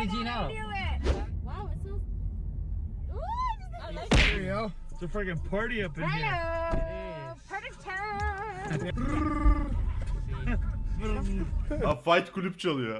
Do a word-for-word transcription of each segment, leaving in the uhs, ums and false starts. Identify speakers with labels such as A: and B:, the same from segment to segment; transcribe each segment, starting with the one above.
A: Regino.
B: Wow, it smells. Ooh, I like
C: There you go.
D: It's a freaking party up in here.
B: Hello. Party time.
E: Ha, Fight Kulüp çalıyor.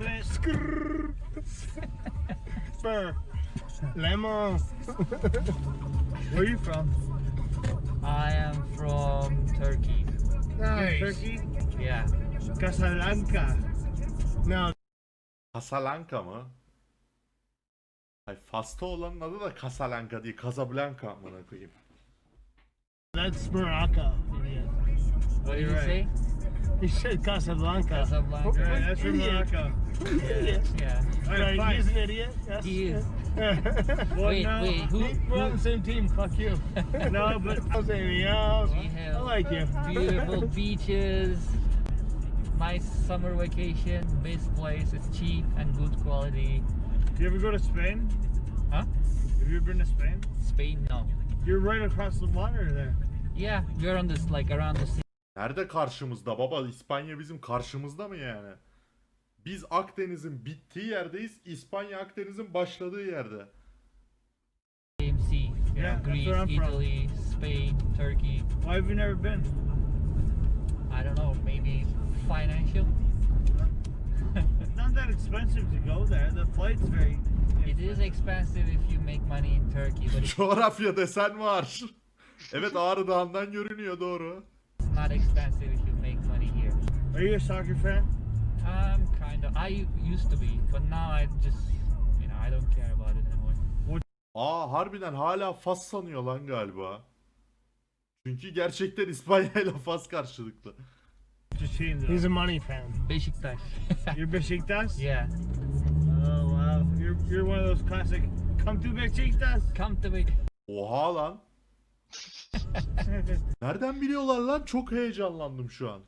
C: Spur. Lemon.
D: Where are you from?
A: I am from Turkey.
C: Nice.
D: Turkey?
A: Yeah.
D: Casablanca.
C: No.
E: Casablanca mı? Ay Fas'ta olanın adı da Casablanca değil, Casablanca amına koyayım.
C: That's Morocco. Idiot.
A: What did you
D: Right.
A: say?
C: He said Casablanca.
A: Casablanca.
D: Yeah, that's from
C: Idiot.
D: Morocco.
C: Idiot.
A: Yeah.
D: Alright,
C: Right, he's
D: fine.
C: an idiot. Yes.
A: He is.
D: Well,
A: Wait,
D: no,
A: wait. Who?
C: We're on the
A: who
C: same team. Fuck you.
D: No, but
C: I'll say me. Oh,
A: we
C: I
A: have
C: like you.
A: beautiful beaches, nice summer vacation, best place. It's cheap and good quality.
D: do you ever go to Spain?
A: Huh?
D: Have you ever been to Spain?
A: Spain, no.
D: You're right across the water there.
A: Yeah, we're on this like around the sea.
E: Nerede karşımızda baba? İspanya bizim karşımızda mı yani? Biz Akdeniz'in bittiği yerdeyiz, İspanya Akdeniz'in başladığı yerde.
A: Same sea. You
D: Yeah,
A: know,
D: that's
A: Greece,
D: where I'm from.
A: Italy, Spain, Turkey.
D: Why have you never been?
A: I don't know, maybe financial.
D: It's not that expensive to go there. The flight's very.
A: It is expensive if you make money in Turkey, but it's
E: Coğrafya desen var. Evet, Ağrı Dağı'ndan görünüyor, doğru.
A: not expensive if you make money here.
D: Are you a soccer fan?
A: Um, kind of. I used to be, but now I just, you know, I don't care about it anymore.
E: Aa, harbiden hala Fas sanıyor lan galiba. Çünkü gerçekten İspanya ile Fas karşılıklı.
D: Just team though.
C: He's a money fan.
A: Beşiktaş.
D: You're Besiktas?
A: Yeah.
D: Oh wow. You're you're one of those classic. Come to Besiktas.
A: Come to me.
E: Oha lan. Nereden biliyorlar lan? Çok heyecanlandım şu an.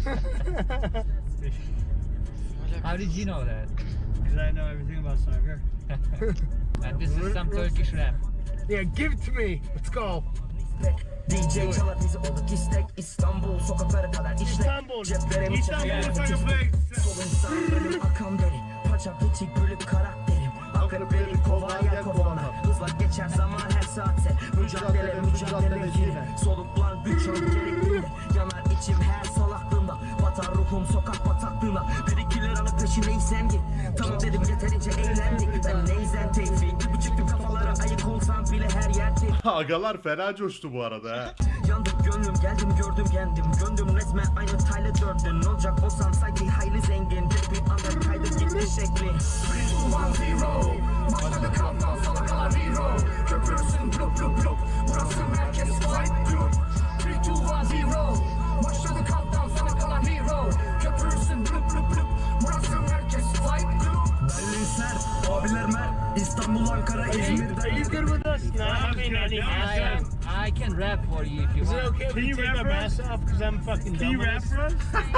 A: How did you know that?
D: Because I know everything about soccer.
A: And this is some Turkish rap.
C: Yeah, give it to me. Let's go.
F: D J çalar bizi olduk istek İstanbul sokaklara kadar işlek
C: İstanbul.
F: Ceplerimi
D: İstanbul
F: çeker
D: soccer plays.
F: Sol insan benim akan benim Paça piçik bölük karakterim Akrepleri kovaya kovanlar Hızla geçer zaman her saatte Mücadele mücadele yine Soluklan güç ön gerekli Yanar içim her sol aklımda Batar ruhum sokak bataklığına Bir iki liranın peşindeysen git Tamam dedim yeterince eğlendik Ben neyzen tevfik gibi çıktım kafalara ayık olsam bile her yerde
E: Agalar fena coştu bu arada ha.
F: Yandım gönlüm geldim gördüm kendim Göndüm resmen aynı Tyler Durden Ne olacak olsam sanki hayli zengin Tek bir anda kaydı gitti şekli one zero Başladı countdown sana kalan hero Köpürsün blup blup blup Burası merkez flight group three two one zero Başladı countdown sana kalan hero Köpürsün blup blup blup Burası merkez flight group Berlin Ser, abiler Mer İstanbul, Ankara, İzmir
C: Are you good with us? Not having any
A: I
C: mask
A: am.
C: on?
A: I can rap for you if you
C: Is it
A: want.
C: okay if
D: Can
C: we
D: you
C: take
D: rap
C: our
D: for
C: masks off? Because I'm fucking
D: Can
C: done
D: you
C: with
D: rap
C: this.
D: for us?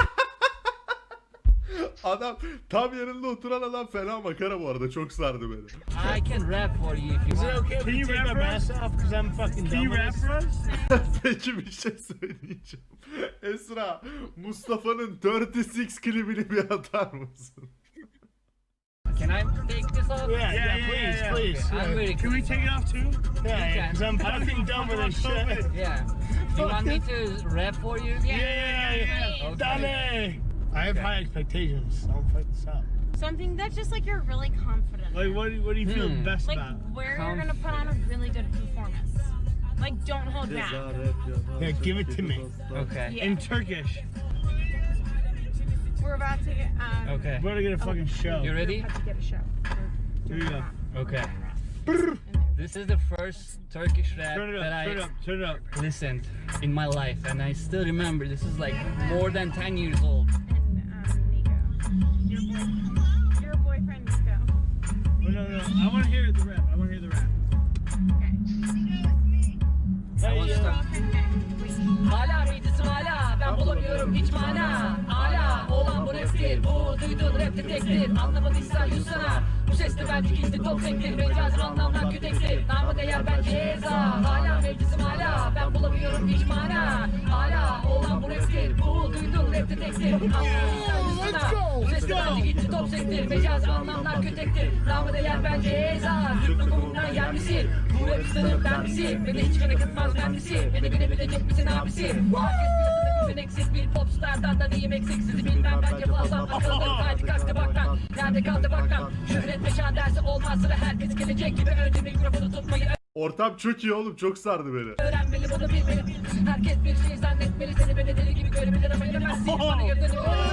E: Adam tam yerinde oturan adam fena makara bu arada, çok sardı beni.
A: I can rap for you if you
C: Is it
A: want.
C: okay if
D: Can
C: we
D: you
C: take
D: rap
C: our
D: for us?
C: masks off? Because I'm fucking
D: Can
C: done
D: you
C: with
D: rap
C: this.
D: for us?
E: Peki bir şey söyleyeceğim. Esra, Mustafa'nın thirty six klibini bir atar mısın?
A: Can I take this off?
C: Yeah, yeah,
D: Yeah, yeah,
C: please,
D: yeah,
C: please.
A: I'm
C: Yeah,
A: very
D: Can we take it off too?
C: yeah,
A: can.
C: because I'm fucking done with this shit.
A: Yeah. Do you want me to rap for you?
C: Yeah, yeah, yeah.
A: Okay.
C: Dale. I have high expectations. Don't fuck this up.
B: Something that's just like you're really confident.
D: Like what? do- What do you feel
A: Hmm.
D: best
B: Like
D: about?
B: where you're gonna put on a really good performance. Like don't hold back.
C: Yeah, give it to me.
A: Okay.
B: Yeah.
D: In Turkish.
B: We're about to get. Um,
A: Okay.
D: We're gonna get a fucking show.
A: You ready?
B: About to get a show.
D: Here you go.
A: Okay. This is the first Turkish rap
D: Turn it
A: that
D: up.
A: I
D: Turn it up. Turn it up.
A: listened in my life, and I still remember. This is like more than ten years old.
B: And um, Nico, your boy, your boyfriend Nico.
D: Oh, no, no. I want to hear the rap. I want to hear the rap.
B: Okay.
A: I was
C: Hey, uh,
A: stuck. Hala mıydısı hala, ben bulamıyorum hiç mana. Hala olan bu raptir, bu duyduğun raptir tektir. Anlamadıysan yutsana, bu ses de belki gitti top tektir. Mecazım anlamdan kütektir, namı değer ben ceza. Hala mevcisim hala, ben bulamıyorum hiç mana. Hala olan bu raptir, bu duyduğun raptir rapte tektir. Let's go. Bu sesli bence gitti top sektir. Mecazi anlamlar kötektir. Namı değer bence eza. Türk toplumuna yer misin? Bu rap sınıf ben misin? Beni hiç gene kıtmaz ben misin? Beni bilebilecek misin abisi? Herkes piyasada güveneksiz bir popstardan da diyeyim eksik. Sizi bilmem bence fazla akıldır. Kaydı kalktı baktan. Nerede kaldı baktan? Şöhret meşan dersi olmaz sıra herkes gelecek gibi. Önce mikrofonu tutmayı
E: Ortam çok iyi oğlum, çok sardı beni.
A: öğrenmeli bunu bilmeli. Herkes bir şey zannetmeli. Seni beni deli gibi görebilir ama yemezsin. Bana yırdığını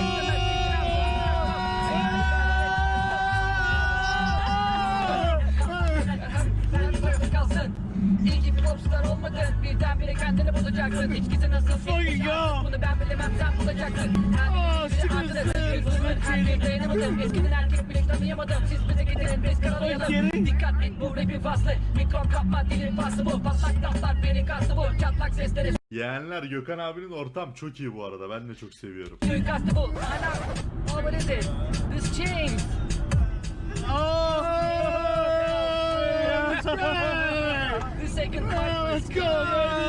A: öğrenemezsin. Kalsın. İyi ki bir popstar olmadın. Birdenbire kendini bulacaksın. İçkisi nasıl? Bunu ben bilemem, sen bulacaksın. Her bir dayanamadım. Eskiden erkek bile tanıyamadım. Siz bize getirin, biz karalayalım. Dikkat et, bu rapin faslı. Mikron kapma, dilin faslı bu. Patlak laflar, beni kastı bu. Çatlak sesleri
E: Yeğenler, Gökhan abinin ortam çok iyi bu arada. Ben de çok seviyorum.
A: suikastı bu. Hala. Oh, what is it? This change. The second part. Let's go,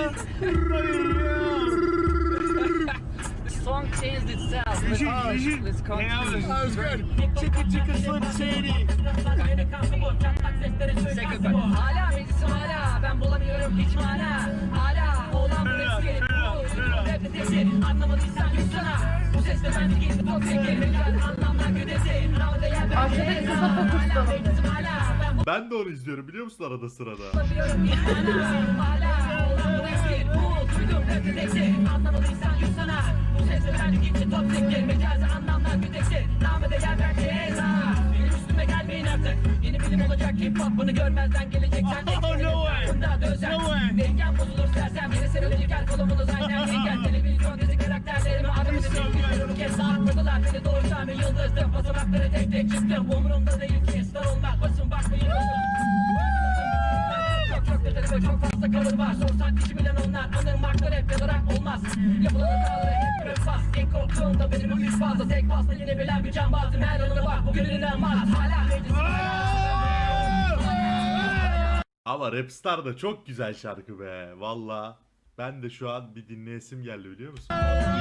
A: The song changed itself. Let's,
D: should-
A: let's continue.
C: That was good. Chicka chicka slim shady.
A: Second part. Hala meclisim hala. Ben bulamıyorum hiç mana. Hala olan bu eski. Bu rapte tektir. Anlamadıysan yutsana. Bu sesle bence gitti top tekir. Mecaz anlamlar güdesi. Navda yer ben
B: Arkadaki kıza fokuslanın.
A: Hala meclisim hala. Ben
E: Ben de onu izliyorum biliyor musun arada sırada.
A: bulamıyorum hiç mana. Hala olan bu eski. Bu duydum rapte tektir. Anlamadıysan yutsana. Bu sesle bence gitti top tekir. Mecazi anlamlar güdesi. Namı değer bence eza. Benim üstüme gelmeyin artık. Yeni bilim olacak hip hop. Bunu görmezden gelecek. Sen tek
D: Oh, no way.
A: Bunda dözen.
D: No way.
A: Dengen bozulur sersem. Yeni serilecek her kolumunu zaten. Dengen televizyon dizi karakterlerimi adımı bir kez dağıtmadılar. Beni doğursam bir yıldızdım. Basamakları tek tek çıktım. Umurumda değil ki star olmak. Basın bakmayın olsun. Çok çok detaylı ve çok fazla kalır var. Sorsan kişi bilen onlar. Anır marklar hep ya da rap olmaz. Yapılan hataları hep rap bas. İlk korktuğumda benim o güç fazla. Tek basla yine bilen bir can bazım. Her anına bak bugün inanmaz. Hala meclisim
E: Ama Rapstar da çok güzel şarkı be. Valla. Ben de şu an bir dinleyesim geldi biliyor musun?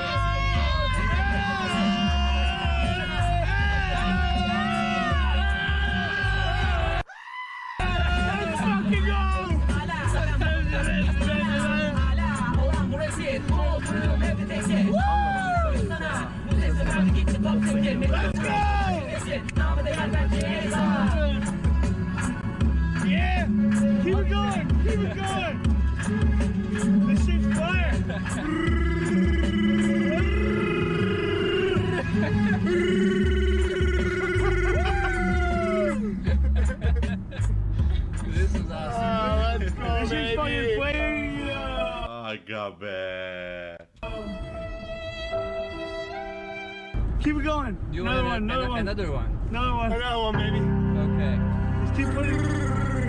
A: hala olan bu resim. Bu duydum rapte tektir. Sana bu sesle bence gitti top tekir. Let's go! Namı değer bence eza.
D: Yeah! Keep it going! Keep it going! This shit's fire!
A: This is awesome.
C: Oh, let's go,
D: This shit's fucking
C: baby.
D: fire!
E: Aga be.
D: Keep it going!
A: You
D: Another
A: want
D: one, another one,
A: another one?
D: another one.
C: Another one, baby.
A: Okay.
D: Just keep putting...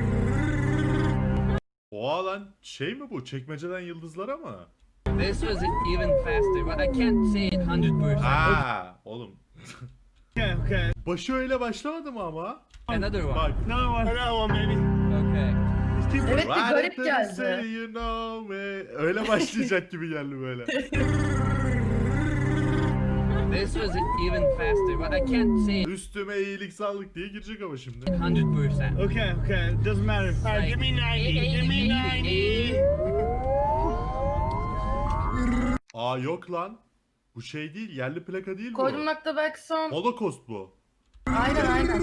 E: Oha lan şey mi bu? Çekmeceden yıldızlara mı?
A: This was even faster, but I can't say it one hundred percent.
E: Ha, oğlum.
D: Okay, okay.
E: Başı öyle başlamadı mı ama?
A: Another one.
E: Bak.
D: Another one.
C: Another one, baby.
A: Okay.
D: Just keep
B: Evet
D: putting...
B: bir garip
E: Right to
B: geldi.
E: say you know me. Öyle başlayacak gibi geldi böyle.
A: This was even faster, but I can't say it
E: Üstüme iyilik sağlık diye girecek ama şimdi.
A: one hundred percent.
D: Okay, okay. It doesn't matter.
C: All right, give me ninety. Give me ninety.
E: Aa yok lan. Bu şey değil, yerli plaka değil bu.
B: Koydum nokta belki son.
E: Holocaust bu.
B: Aynen aynen.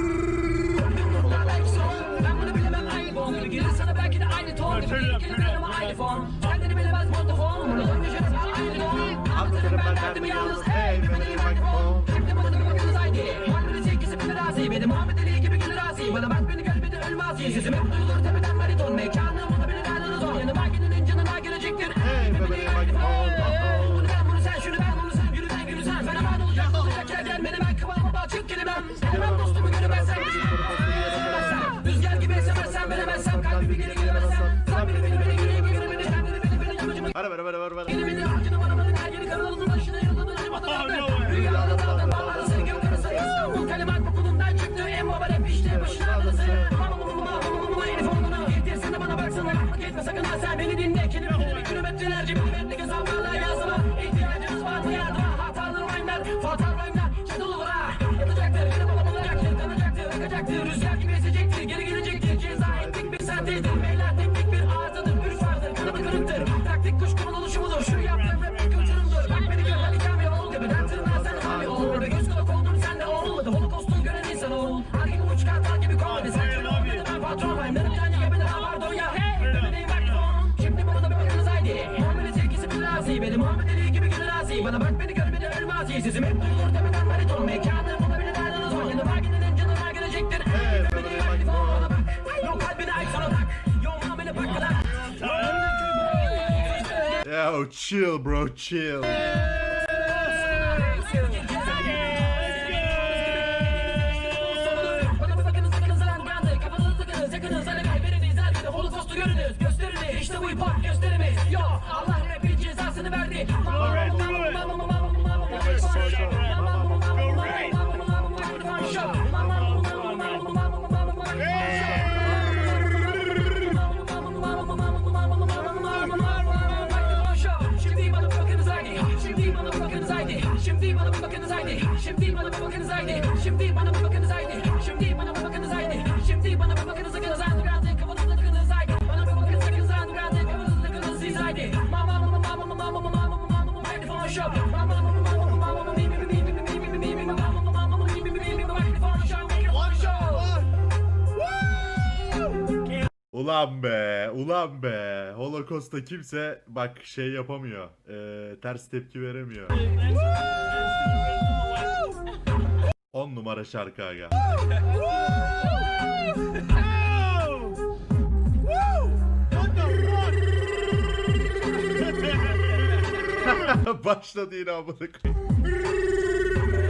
A: Ben bunu bilemem aynı bon gibi gelir sana belki de aynı ton gibi gelir gelir ama aynı fon. Kendini bilemez montofon. Bunu düşünürsen aynı don. Anlatırım ben derdimi yalnız. Hey bebeğim aynı fon. Şimdi bana da bakıyoruz aynı. Muhammed'in sevgisi bilir asi. Benim Muhammed Ali gibi gelir asi. Bana bak beni görmedi ölmez. Sesim hep duyulur tepeden bariton. Mekanım onu beni nereden zor. Yanıma gidenin canına gelecektir. Hey bebeğim aynı fon. Bunu ben bunu sen şunu ben bunu sen. Yürü ben yürü sen. Fenomen olacak olacak yerden beni ben kıvama bak çık kelimem. Sevmem dostumu göremezsen. Rüzgar gibi esemezsen veremezsem kalbimi geri giremezsem. Sen beni beni beni geri geri beni kendini beni beni amacımı.
E: Ver ver ver ver ver.
A: Beni beni harcını bana bana her yeri kanalının başına yıldızın acımadan.
D: Oh, no way.
A: mazi. Bana bak beni gör beni ölmez. Sizim hep duyulur tepeden bariton. Mekanım olabilir nereden uzman. Yanı var gidenin canına gelecektir.
E: Evet,
A: Beni yakti bana bak. Yok kalbine ait sana tak. Yok mamele bak.
E: Yo, chill bro, chill.
A: Bana bir bakınız sakınız lan gandı. Kafanızı sıkınız yakınız. Hani kaybediniz zaten. Holocaust'u görünüz. Gösterini işte bu hip hop gösterimiz. Yo Allah rapin cezasını verdi. Şimdi bana bir bakınız haydi. Şimdi bana bir bakınız haydi. Şimdi bana bir bakınız haydi. Şimdi bana bir bakınız haydi. Şimdi bana bir bakınız haydi. Şimdi bana bir bakınız haydi. Şimdi bana bir bakınız sakınız underground. Kafanızda tıkınız haydi. Bana bir bakınız sakınız underground. Kafanızda tıkınız siz haydi. Mama mama mama mama mama mama mama microphone show. Mama mama mama mama mama mi mi mi mi mi mi mi mi mi mama mama mama mi mi mi mi mi microphone show. Microphone show.
E: Ulan be, ulan be. Holocaust'ta kimse bak şey yapamıyor. Ee, ters tepki veremiyor. on numara şarkı aga. Başladı yine amına koyayım.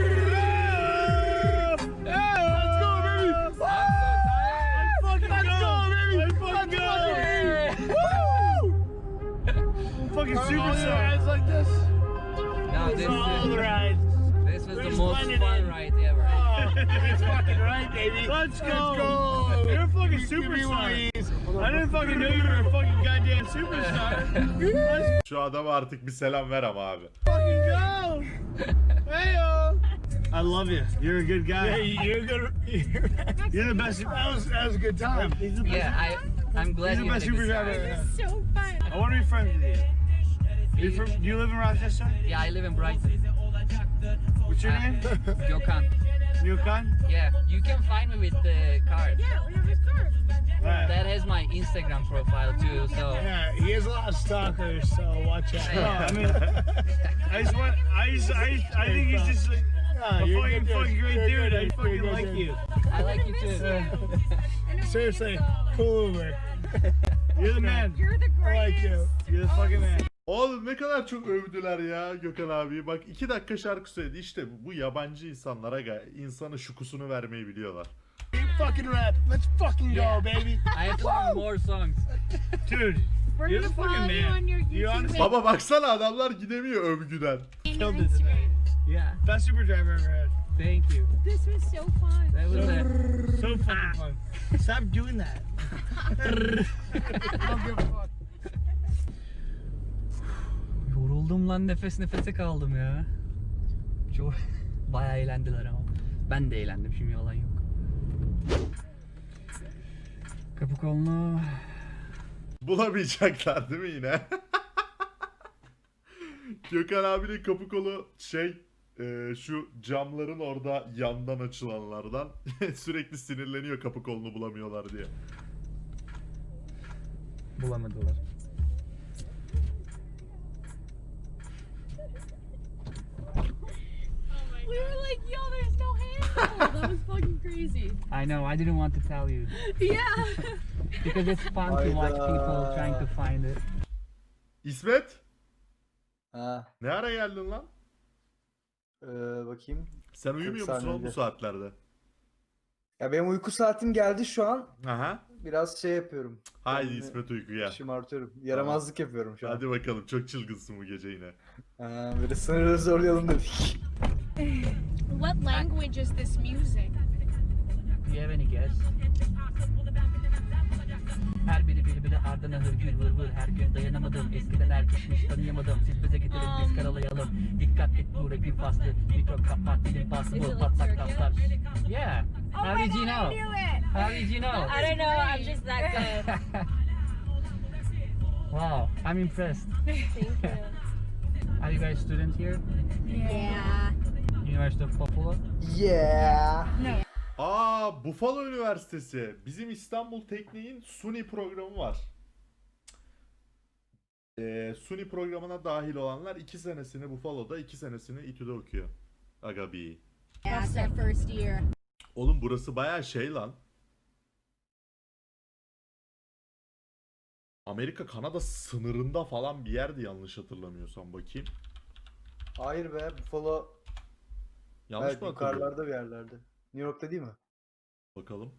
D: Fucking superstar. It's like this.
A: No, this
D: All the
A: is,
D: rides.
A: this was the
D: We're
A: most
D: splendid.
A: fun ride ever.
D: That's fucking right, baby. Let's go. Let's go. You're a fucking superstar. I didn't fucking know you were a fucking goddamn superstar. Let's
E: Şu adama artık bir selam ver ama abi.
D: fucking go. Hey yo. I love you. You're a good guy. Yeah, you're good. You're the best. That was that was a good time. He's the best.
A: Yeah, I, I'm glad
D: He's the
A: you
D: best
A: had a
D: super
A: good
D: driver.
A: time.
D: ever.
B: So fun.
D: I want to be friends with you. You from? Do you live in Rochester?
A: Yeah, I live in Brighton.
D: What's your
A: Uh,
D: name?
A: Gökhan.
D: Yukon.
A: Yeah, you can find me with the card.
B: Yeah, we have his card.
D: Right.
A: That has my Instagram profile too, so
C: Yeah, he has a lot of stalkers, so watch out.
D: No, I mean, I just want. I just. I. Just, I think he's just like
C: No,
D: a
C: you're
D: fucking
C: good,
D: fucking great
C: you're
D: dude.
C: good,
D: I
C: you're
D: fucking
C: good,
D: like
C: dude.
D: you.
A: I like you too.
B: I know
C: Seriously,
B: you
C: cool Uber.
D: You're the man.
B: You're the
C: I like
B: greatest.
C: you.
D: You're the fucking man.
E: Oğlum ne kadar çok övdüler ya Gökhan abi. Bak iki dakika şarkı söyledi. İşte bu yabancı insanlara ga- insanın şukusunu vermeyi biliyorlar.
C: You fucking rap. Let's fucking go,
A: Yeah.
C: baby.
A: I have to learn more songs.
D: Dude,
B: We're
D: you're
B: gonna
D: the fucking
B: follow you
D: man.
B: on your
D: You
B: YouTube
D: honestly-
B: page
E: Baba baksana adamlar gidemiyor övgüden.
B: and your
D: killed it today.
B: Instagram.
A: Yeah,
D: Best super driver I ever had.
A: thank you.
B: This was so fun.
A: That was a,
D: So fucking fun.
C: Stop doing that.
A: yoruldum lan, nefes nefese kaldım ya. Çok bayağı eğlendiler ama. Ben de eğlendim, şimdi yalan yok. Kapı kolunu
E: Bulamayacaklar değil mi yine? Gökhan abinin kapı kolu şey e, şu camların orada yandan açılanlardan sürekli sinirleniyor kapı kolunu bulamıyorlar diye.
A: bulamadılar.
B: We were like, yo, there's no handle. That was fucking crazy.
A: I know, I didn't want to tell you.
B: Yeah.
A: Because it's fun to watch people trying to find it.
E: İsmet,
G: Ha,
E: ne ara geldin lan?
G: e, bakayım.
E: Sen uyumuyor
G: kırk
E: musun oğlum bu
G: saniyede.
E: saatlerde?
G: Ya benim uyku saatim geldi şu an.
E: Aha.
G: Biraz şey yapıyorum.
E: Haydi
G: Kendimi
E: İsmet uyku gel.
G: Şımartıyorum. Yaramazlık yapıyorum şu an.
E: Hadi bakalım, çok çılgınsın bu gece yine.
G: Ha, böyle sınırları zorlayalım dedik.
B: What language is this music?
A: Do you have any guess? Her biri biri biri ardına hırgür vır vır. Her gün dayanamadım, eskiden erkekmiş tanıyamadım. Siz bize getirin biz karalayalım. Dikkat et bu rapin faslı. Mikro kapat dilin bastı
B: Is it
A: bu
B: like
A: patlak
B: Turkish?
A: taslar. Yeah.
B: Oh
A: How
B: my
A: did you
B: God,
A: know?
B: I knew it.
A: How did you know?
B: I don't know. I'm just that good.
A: Wow, I'm impressed.
B: Thank you.
A: Are you guys student here?
B: Yeah.
A: University of Buffalo?
G: Yeah.
E: Aa, Buffalo Üniversitesi. Bizim İstanbul Teknik'in SUNY programı var. Ee, Suni programına dahil olanlar iki senesini Buffalo'da, iki senesini İTÜ'de okuyor. Aga bir.
H: That's their first year.
E: Oğlum burası bayağı şey lan. Amerika Kanada sınırında falan bir yerdi yanlış hatırlamıyorsam, bakayım.
G: Hayır be, Buffalo
E: Yanlış
G: evet,
E: mı hatırlıyorum?
G: yukarılarda bir yerlerde. New York'ta değil mi?
E: Bakalım.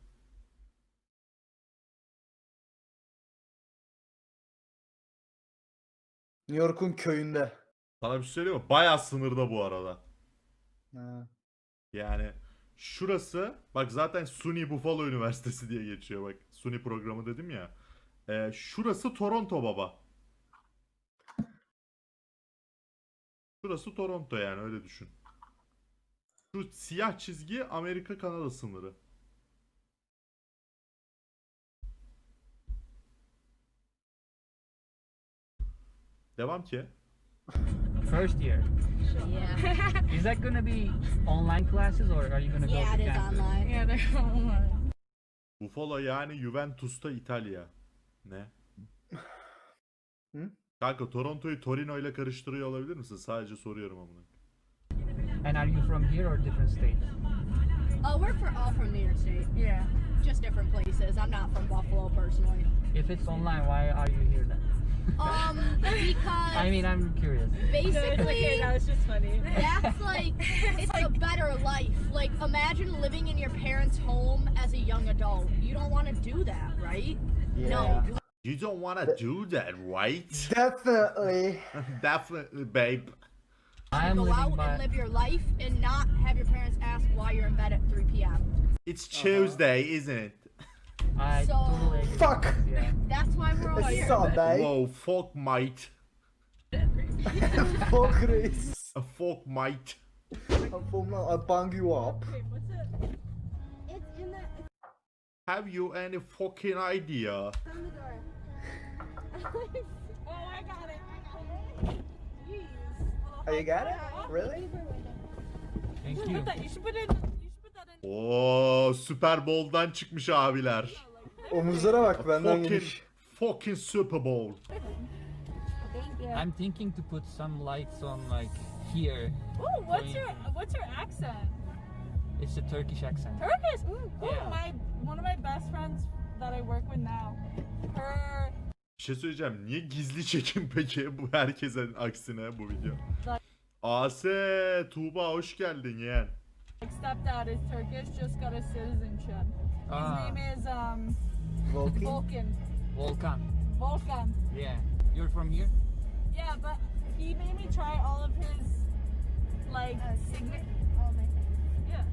G: New York'un köyünde.
E: Sana bir şey söyleyeyim mi? Bayağı sınırda bu arada.
G: Ha.
E: Yani şurası, bak zaten SUNY Buffalo Üniversitesi diye geçiyor, bak SUNY programı dedim ya. Ee, şurası Toronto baba. Şurası Toronto, yani öyle düşün. Şu siyah çizgi Amerika Kanada sınırı. Devam ki.
I: First year.
H: Yeah.
I: Is that gonna be online classes or are you gonna go
H: Yeah,
I: to
H: it is
I: campus?
H: online.
B: Yeah, they're online.
E: Buffalo yani Juventus'ta İtalya. Ne?
G: Hı?
E: Kanka Toronto'yu Torino ile karıştırıyor olabilir misin? Sadece soruyorum amına.
I: And are you from here or different states?
H: Uh, we're for, all from New York State.
B: Yeah.
H: Just different places. I'm not from Buffalo personally.
I: If it's online, why are you here then?
H: Um, because
I: I mean, I'm curious.
B: Okay,
H: basically
B: that was just funny.
H: that's like it's a better life. Like imagine living in your parents' home as a young adult. You don't want to do that, right? No.
E: You don't wanna do that, right?
G: Definitely.
E: Definitely, babe.
I: I am
H: Go
I: living
H: out
I: by.
H: and live your life and not have your parents ask why you're in bed at three p m
E: It's Tuesday, isn't it?
I: I
H: So-
I: totally agree.
G: Fuck.
I: Yeah.
H: That's why we're all
G: It's
H: here.
G: Sunday.
E: Whoa, fuck mate.
G: Fuck Reis.
E: A fuck mate.
G: I'm from, I'll bang you up.
B: Wait, what's it?
H: It's in the
E: Have you any fucking idea?
H: on the door.
B: Oh, I got it. Jeez.
G: Oh, you got it? Really?
I: Thank
B: You should
I: you.
B: put that. You should put it. You should put that in.
E: Oo, Super Bowl'dan çıkmış abiler.
G: Omuzlara bak benden
E: Fucking,
G: geniş.
E: fucking Super Bowl.
H: Thank you.
I: I'm thinking to put some lights on like here.
B: Ooh, what's
I: Going-
B: your what's your accent?
I: It's a Turkish accent.
B: Turkish. Ooh,
I: Yeah.
B: my one of my best friends that I work with now. Her
E: Bir şey söyleyeceğim. Niye gizli çekim peki bu herkesin aksine bu video? Ase, Tuğba hoş geldin yeğen.
B: like, stepdad is Turkish, just got his citizenship. His
I: Ah.
B: name is um
G: Volkan.
B: Volkan.
I: Volkan.
B: Volkan.
I: Yeah. You're from here?
B: Yeah, but he made me try all of his like signature. Yeah.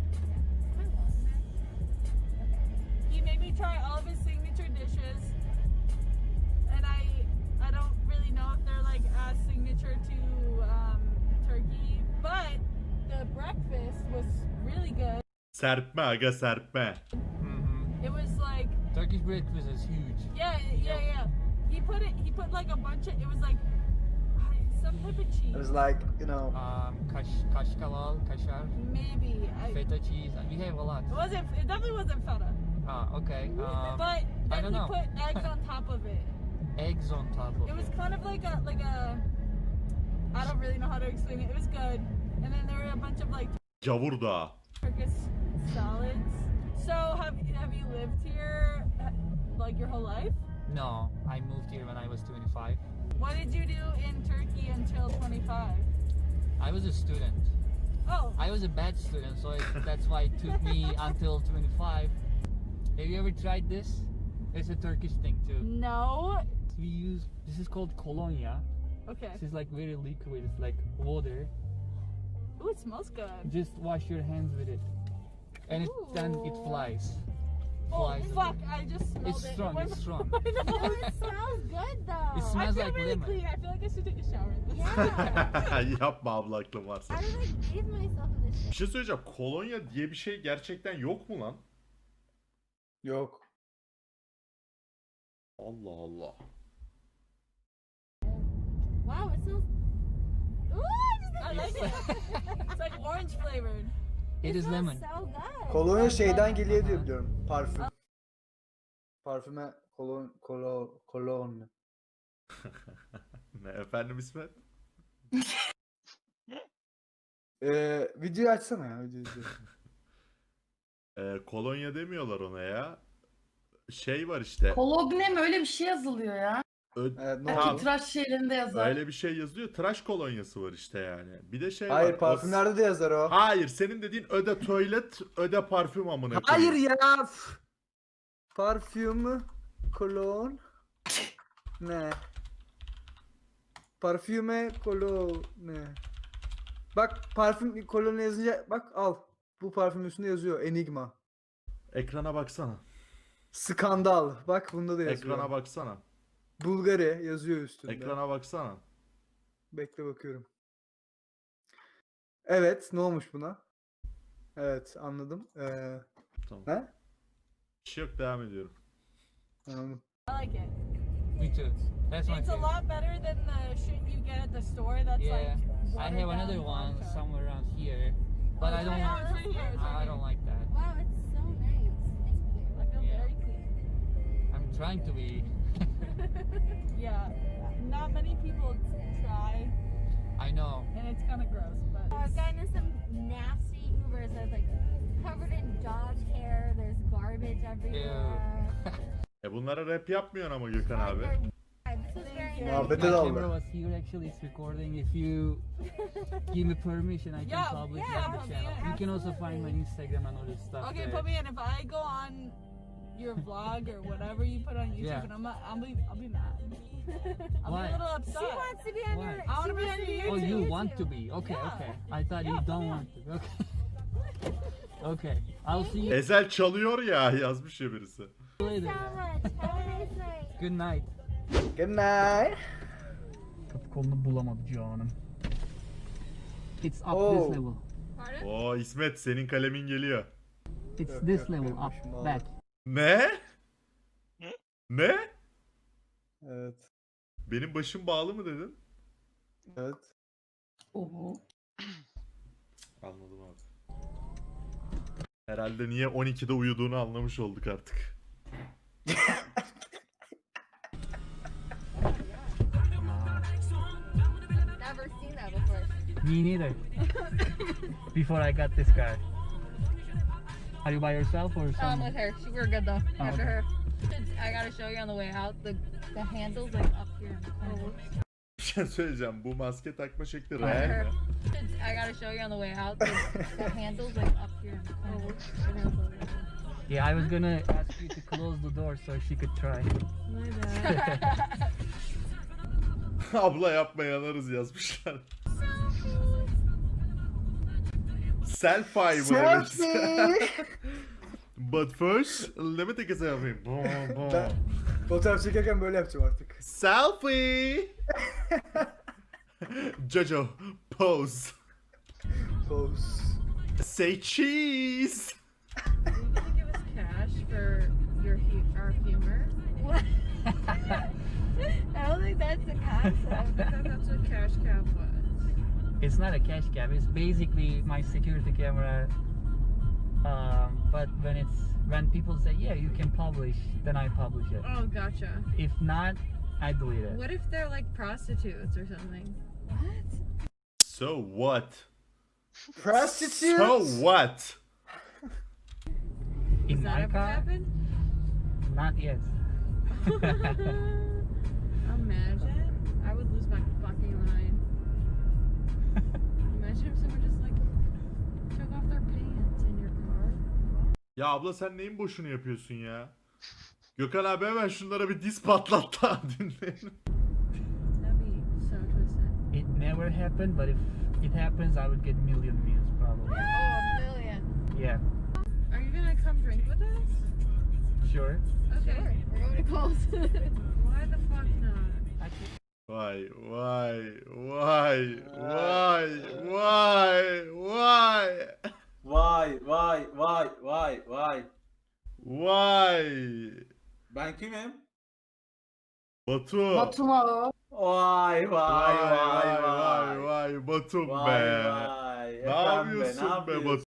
B: He made me try all of his signature dishes, and I I don't really know if they're like as signature to um, Turkey, but the breakfast was really good.
E: Serpme aga serpme.
I: Mm-hmm.
B: It was like
I: Turkish breakfast is huge.
B: yeah yeah yeah. He put it. He put like a bunch of. It was like uh, some type of cheese.
G: It was like, you know,
I: Um, kaş, kaşkalal, kaşar,
B: Maybe. I,
I: feta cheese. We have a lot.
B: it wasn't. It definitely wasn't feta.
I: Ah, okay. Um,
B: But then
I: don't
B: he
I: know.
B: put eggs on top of it.
I: eggs on top of
B: It was
I: it.
B: kind of like a like a. I don't really know how to explain it. It was good, and then there were a bunch of like
E: Gavur Dağı.
B: Turkish salads. So have have you lived here uh, like your whole life?
I: No, I moved here when I was twenty-five.
B: What did you do in Turkey until twenty-five?
I: I was a student.
B: Oh,
I: I was a bad student, so it, that's why it took me until twenty-five. Have you ever tried this? It's a Turkish thing too.
B: no.
I: We use, this is called colonia.
B: Okay.
I: This is like very liquid, it's like water.
B: Ooh, it smells good.
I: Just wash your hands with it. And it, then it
B: Ooh.
I: flies.
B: Oh
I: Flies
B: fuck! I just smelled
I: It's
B: it.
I: strong,
B: It
I: it's
B: went-
I: strong.
B: I know.
H: It smells good though.
I: It
B: I
I: smells
B: feel
I: like
B: really
I: lemon.
B: clean. I feel like I should take a shower. in this.
H: Yeah.
E: Yapma abla aklın varsa.
H: I would like bathe myself in this
E: Bir şey söyleyeceğim. Kolonya diye bir şey gerçekten yok mu lan?
G: yok.
E: Allah Allah.
H: Wow, it smells. Ooh, I just
B: I like it. It's like orange flavored.
I: It is
H: smells
I: lemon.
H: so good.
G: Kolonya şeyden geliyor diye biliyorum. Parfüm. Parfüme kolon kolon kolon.
E: Ne efendim İsmet?
G: Ee, videoyu açsana ya videoyu.
E: Ee, kolonya demiyorlar ona ya. Şey var işte.
J: Kologne mi öyle bir şey yazılıyor ya?
E: Ö-
G: Evet, ne
J: Belki
E: Tamam.
G: oldu?
J: tıraş şeylerinde yazar.
E: Öyle bir şey yazıyor. Tıraş kolonyası var işte yani. Bir de şey
G: Hayır
E: var. o-
G: parfümlerde de yazar o.
E: Hayır, senin dediğin öde tuvalet, öde parfüm amına
G: Hayır
E: koyayım.
G: ya. f- Parfüm, kolon. Ne? Parfüme, kolon. Ne? Bak parfüm kolon yazınca bak al. Bu parfüm üstünde yazıyor Enigma.
E: Ekrana baksana.
G: Skandal. Bak bunda da yazıyor.
E: Ekrana baksana.
G: Bulgari yazıyor üstünde.
E: Ekrana baksana.
G: Bekle bakıyorum. Evet, ne olmuş buna? Evet, anladım. Ee,
E: Tamam.
G: he?
E: Bir şey yok, devam ediyorum.
G: Anladım.
B: I like it.
I: Me too. That's my
B: It's a
I: favorite.
B: lot better than the shit you get at the store. That's
I: Yeah,
B: like.
I: I
B: watered
I: have
B: down
I: another one
B: vodka.
I: somewhere around here, but I don't.
B: Yeah, it's right here, it's right
I: I don't like that.
H: Wow, it's so nice. Thank you.
B: I feel
I: Yeah.
B: very clean.
I: I'm trying to be.
B: Yeah, not many people try,
I: I know.
B: and it's kind of gross, but.
H: I've gotten in some nasty Ubers that's like covered in dog hair. There's garbage everywhere.
E: E bunlara rap yapmıyorsun ama Gökhan abi.
H: This is very nice.
G: Muhabbete
I: My
G: daldı.
I: camera was here actually. It's recording. If you give me permission, I can
B: Yeah,
I: publish
B: yeah,
I: it on the
B: put me
I: channel.
B: in.
I: You can also find my Instagram and all this stuff.
B: Okay,
I: there.
B: put me in. If I go on your vlog or whatever you put on YouTube,
I: Yeah.
B: and I'm not, I'll be, I'll be mad. I'll
I: Why?
B: be a little upset.
H: She wants to be on
I: Why?
H: your.
B: I wanna
H: she
B: be
H: wants
B: on
H: to
B: your
I: Oh,
B: YouTube.
I: you want to be? Okay,
B: Yeah.
I: okay. I thought
B: Yeah,
I: you
B: put
I: don't
B: me on.
I: want to. Okay. Okay. I'll see you
E: Ezel çalıyor ya, yazmış ya birisi.
I: later.
H: So much. Have a nice night.
I: Good night.
G: Good night.
I: Kapı kolunu bulamadı canım. It's up
G: Oh.
I: this level.
E: Oo İsmet, senin kalemin geliyor.
I: It's
G: Yok,
I: this
G: yok,
I: level
G: görmüşüm,
I: up
G: vallahi.
I: back.
E: Ne? Ne?
G: Evet.
E: Benim başım bağlı mı dedin?
G: Evet.
J: Oho.
E: Anladım abi. Herhalde niye on ikide uyuduğunu anlamış olduk artık.
H: Never seen that before.
I: Me neither. Before I got this car. Are you by yourself or
H: Um,
I: someone?
H: with her. She, we're good though.
I: Oh,
H: After
I: okay.
H: her. I gotta show you on the way out. The the handles like up here. Oh,
E: Bir şey söyleyeceğim. Bu maske takma şekli
H: After
E: real
H: her.
E: mi?
H: I gotta show you on the way out. The, the handles like up here. Oh,
I: Yeah, I was gonna ask you to close the door so she could try.
E: Abla yapma yanarız yazmışlar. Selfie bu demek.
G: Selfie.
E: But first, let me take a selfie. Boom, boom.
G: Ben fotoğraf çekerken böyle yapacağım artık.
E: Selfie. Jojo, pose.
G: Pose.
E: Say cheese.
B: Are you gonna give us cash for your hu- our humor?
H: What? I don't think that's the concept.
B: I thought that's what cash cab was.
I: It's not a cash cab. It's basically my security camera. Um, but when it's when people say yeah you can publish, then I publish it.
B: Oh, gotcha.
I: If not, I delete it.
B: What if they're like prostitutes or something?
E: So what?
G: Prostitute.
E: So what?
I: In
B: Has that
I: my
B: ever
I: car,
B: happened?
I: not yet.
B: Imagine. I would lose my fucking mind. Imagine if someone just like took off their pants in your car.
E: Ya abla sen neyin boşunu yapıyorsun ya? Gökhan abi hemen şunlara bir diz patlat da dinleyelim.
B: That'd be so twisted.
I: It never happened, but if it happens, I would get million views probably.
H: Oh, a million.
I: Yeah,
B: Are you gonna come drink with us?
I: sure.
B: Okay.
H: Sure. We're going to Coles.
B: Why the fuck not?
I: Actually,
E: Vay vay vay vay vay vay
K: Vay vay vay vay vay.
E: vay.
K: Ben kimim?
E: Batu.
J: Batuma o.
K: Vay vay
E: Vay
K: vay
E: vay
K: vay.
E: vay Batum
K: Vay
E: be.
K: vay.
E: Ne
K: Efendim be,
E: yapıyorsun be
K: yapıyorsun?
E: Batu?